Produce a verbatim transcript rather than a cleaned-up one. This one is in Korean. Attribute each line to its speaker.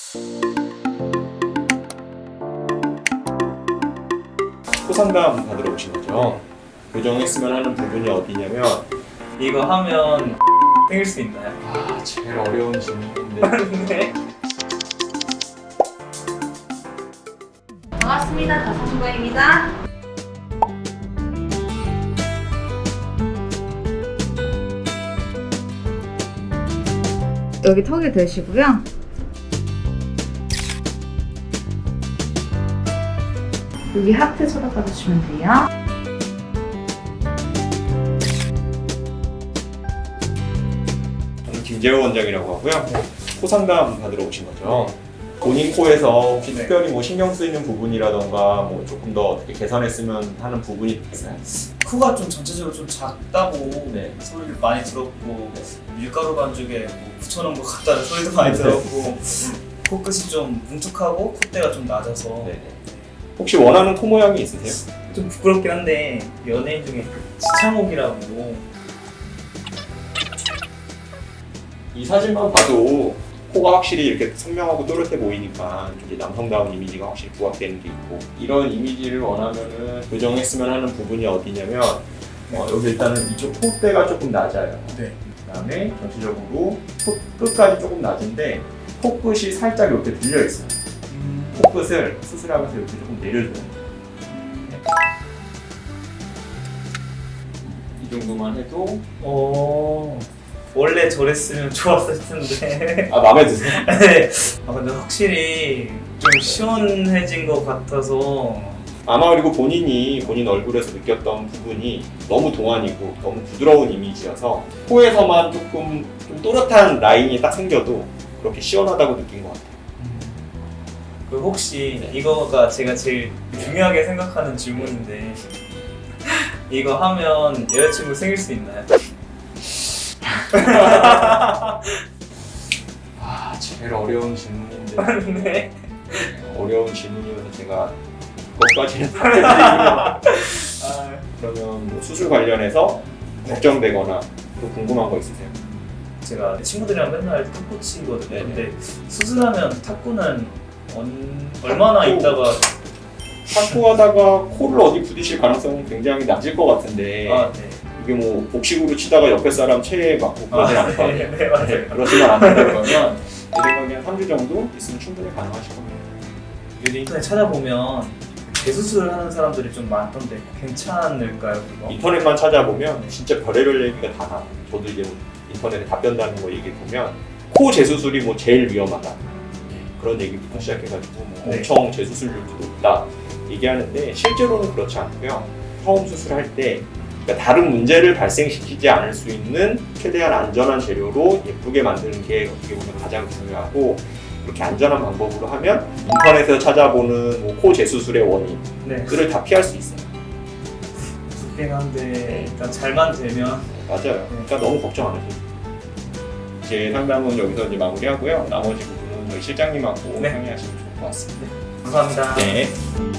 Speaker 1: 코 상담 받으러 오신 거죠? 교정했으면 하는 부분이 어디냐면
Speaker 2: 이거 하면 생길 수 있나요?
Speaker 1: 아 제일 어려운 질문인데
Speaker 2: 네.
Speaker 3: 반갑습니다. 다솜고입니다. 여기 턱에 대시고요. 여기 하트 쳐다봐 주시면 돼요.
Speaker 1: 저는 김재호 원장이라고 하고요. 코 상담 받으러 오신 거죠? 본인 코에서 혹시
Speaker 2: 네.
Speaker 1: 특별히 뭐 신경 쓰이는 부분이라던가 뭐 조금 더 어떻게 개선했으면 하는 부분이 있어요?
Speaker 2: 코가 좀 전체적으로 좀 작다고
Speaker 1: 네.
Speaker 2: 소리를 많이 들었고 밀가루 반죽에 뭐 붙여놓은 것 같다는 소리도 많이 들었고 코끝이 좀 뭉툭하고 콧대가 좀 낮아서
Speaker 1: 네. 혹시 원하는 코 모양이 있으세요?
Speaker 2: 좀 부끄럽긴 한데 연예인 중에 지창욱이라고
Speaker 1: 이 사진만 봐도 코가 확실히 이렇게 선명하고 또렷해 보이니까 좀 이제 남성다운 이미지가 확실히 부각되는 게 있고, 이런 이미지를 원하면은 교정했으면 하는 부분이 어디냐면 어, 여기 일단은 이쪽 콧대가 조금 낮아요.
Speaker 2: 네.
Speaker 1: 그다음에 전체적으로 코끝까지 조금 낮은데 코끝이 살짝 이렇게 들려 있어요. 코끝을 수술하면서 이렇게 조금 내려줘요. 이 정도만 해도
Speaker 2: 어... 원래 저랬으면 좋았을 텐데
Speaker 1: 아 마음에 드세요?
Speaker 2: 네. 아 근데 확실히 좀 시원해진 것 같아서
Speaker 1: 아마 그리고 본인이 본인 얼굴에서 느꼈던 부분이 너무 동안이고 너무 부드러운 이미지여서 코에서만 조금 좀 또렷한 라인이 딱 생겨도 그렇게 시원하다고 느낀 것 같아요.
Speaker 2: 그 혹시 이거가 제가 제일 중요하게 생각하는 질문인데 이거 하면 여자친구 생길 수 있나요?
Speaker 1: 아 제일 어려운 질문인데
Speaker 2: 네.
Speaker 1: 어려운 질문이어서 제가 그것까지는 답해드리기는
Speaker 2: 아,
Speaker 1: 그러면 뭐 수술 관련해서 걱정되거나 또 궁금한 거 있으세요?
Speaker 2: 제가 친구들이랑 맨날 탁구 치거든요.
Speaker 1: 네네.
Speaker 2: 근데 수술하면 탁구는 언... 얼마나
Speaker 1: 탁구.
Speaker 2: 있다가
Speaker 1: 탁구하다가 코를 어디 부딪힐 가능성은 굉장히 낮을 것 같은데
Speaker 2: 아, 네.
Speaker 1: 이게 뭐 복식으로 치다가 옆에 사람 체에 맞고 그러진
Speaker 2: 아,
Speaker 1: 않을 거 아니에요?
Speaker 2: 네, 네, 맞아요.
Speaker 1: 네, 그러시면 안 된다 그러면 제 생각에 한 삼 주 정도 있으면 충분히 가능하실 겁니다.
Speaker 2: 요즘 인터넷 찾아보면 재수술을 하는 사람들이 좀 많던데 괜찮을까요, 그거?
Speaker 1: 인터넷만 찾아보면 진짜 별의별 얘기가 다 나와요. 저도 이제 인터넷에 답변 다는 거 얘기 보면 코 재수술이 뭐 제일 위험하다 그런 얘기부터 시작해가지고 뭐
Speaker 2: 네.
Speaker 1: 엄청 재수술률도 높다 얘기하는데 실제로는 그렇지 않고요. 처음 수술할 때 그러니까 다른 문제를 발생시키지 않을 수 있는 최대한 안전한 재료로 예쁘게 만드는 게 어떻게 보면 가장 중요하고, 그렇게 안전한 방법으로 하면 인터넷에서 찾아보는 뭐 코 재수술의 원인들을
Speaker 2: 네.
Speaker 1: 다 피할 수 있어요.
Speaker 2: 무섭긴 한데 일단 잘만 되면
Speaker 1: 맞아요. 그러니까 너무 걱정 안 하셔도 돼요. 제 상담은 여기서 이제 마무리하고요. 나머지 부분은 저희 실장님하고
Speaker 2: 네.
Speaker 1: 상의하시면 좋을 것 같습니다.
Speaker 2: 감사합니다.
Speaker 1: 네.